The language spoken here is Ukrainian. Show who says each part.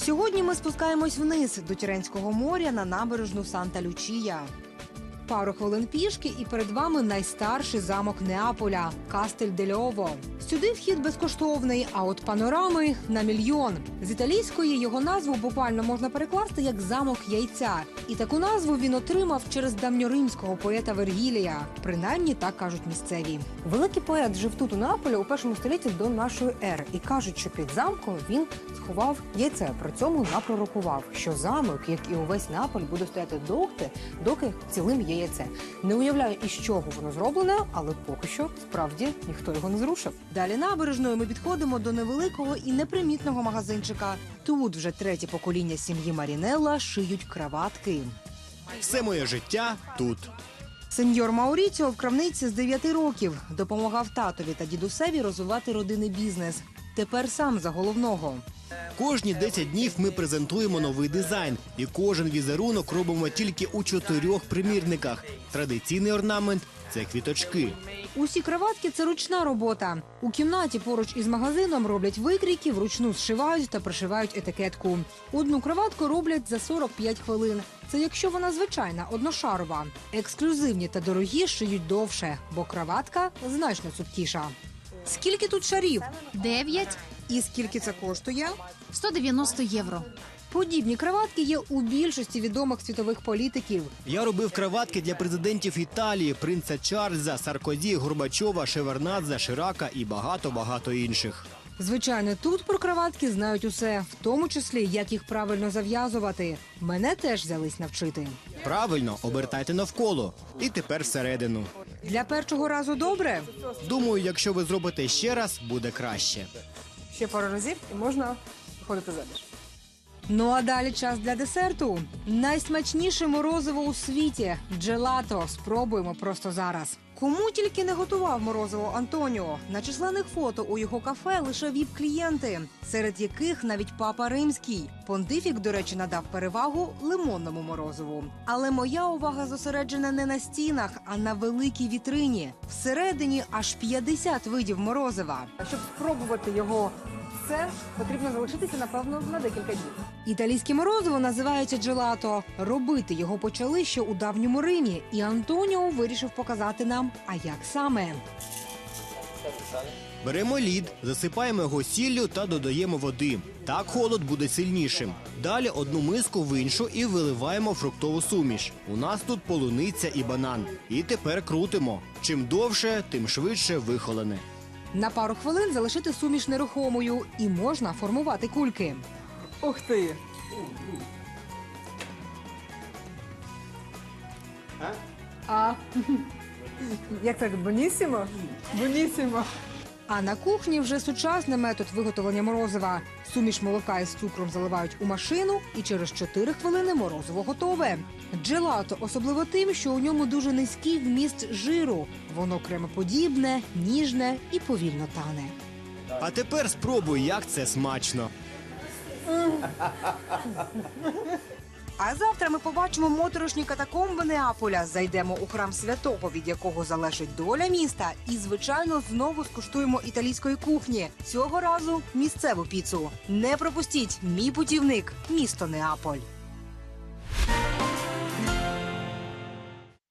Speaker 1: Сьогодні ми спускаємось вниз до Тіренського моря на набережну Санта-Лючія. Пару хвилин пішки і перед вами найстарший замок Неаполя – Кастель-дель-Ово. Сюди вхід безкоштовний, а от панорами – на мільйон. З італійської його назву буквально можна перекласти як «замок яйця». І таку назву він отримав через давньоримського поета Вергілія. Принаймні так кажуть місцеві. Великий поет жив тут у Неаполі у 1 столітті до нашої ери. І кажуть, що під замком він сховав яйце. При цьому напророкував, що замок, як і увесь Неаполь, буде стояти доки цілим є яйце. Не уявляю, із чого воно зроблене, але поки що, справді, ніхто його не зрушив. Далі набережною ми підходимо до невеликого і непримітного магазинчика. Тут вже третє покоління сім'ї Марінелла шиють краватки.
Speaker 2: Все моє життя тут.
Speaker 1: Сеньор Мауріціо в крамниці з 9 років. Допомагав татові та дідусеві розвивати родинний бізнес. Тепер сам за головного.
Speaker 2: Кожні 10 днів ми презентуємо новий дизайн. І кожен візерунок робимо тільки у 4 примірниках. Традиційний орнамент – це квіточки.
Speaker 1: Усі краватки – це ручна робота. У кімнаті поруч із магазином роблять викрійки, вручну зшивають та пришивають етикетку. Одну краватку роблять за 45 хвилин. Це якщо вона звичайна, одношарова. Ексклюзивні та дорогі шиють довше, бо краватка значно цупкіша. Скільки тут шарів?
Speaker 3: 9
Speaker 1: І скільки це коштує?
Speaker 3: 190 євро.
Speaker 1: Подібні краватки є у більшості відомих світових політиків.
Speaker 2: Я робив краватки для президентів Італії, принца Чарльза, Саркозі, Горбачова, Шеварднадзе, Ширака і багато-багато інших.
Speaker 1: Звичайно, тут про краватки знають усе, в тому числі, як їх правильно зав'язувати. Мене теж взялись навчити.
Speaker 2: Правильно, обертайте навколо. І тепер всередину.
Speaker 1: Для першого разу добре?
Speaker 2: Думаю, якщо ви зробите ще раз, буде краще.
Speaker 1: Ще пару разів і можна виходити заміж. Ну а далі час для десерту. Найсмачніше морозиво у світі – джелато. Спробуємо просто зараз. Кому тільки не готував морозиво Антоніо. На численних фото у його кафе лише віп-клієнти, серед яких навіть папа римський. Понтифік, до речі, надав перевагу лимонному морозиву. Але моя увага зосереджена не на стінах, а на великій вітрині. Всередині аж 50 видів морозива. Щоб спробувати його це, потрібно залишитися, напевно, на декілька днів. Італійське морозиво називається джелато. Робити його почали ще у давньому Римі. І Антоніо вирішив показати нам, а як саме.
Speaker 2: Беремо лід, засипаємо його сіллю та додаємо води. Так холод буде сильнішим. Далі одну миску в іншу і виливаємо фруктову суміш. У нас тут полуниця і банан. І тепер крутимо. Чим довше, тим швидше вихолене.
Speaker 1: На пару хвилин залишити суміш нерухомою і можна формувати кульки. Ух ти! Як так? Бонісімо? Бонісімо. А на кухні вже сучасний метод виготовлення морозива. Суміш молока із цукром заливають у машину, і через 4 хвилини морозиво готове. Джелато особливо тим, що у ньому дуже низький вміст жиру. Воно кремоподібне, ніжне і повільно тане.
Speaker 2: А тепер спробуй, як це смачно.
Speaker 1: А завтра ми побачимо моторошні катакомби Неаполя, зайдемо у храм святого, від якого залежить доля міста, і, звичайно, знову скуштуємо італійської кухні. Цього разу місцеву піцу. Не пропустіть, мій путівник – місто Неаполь.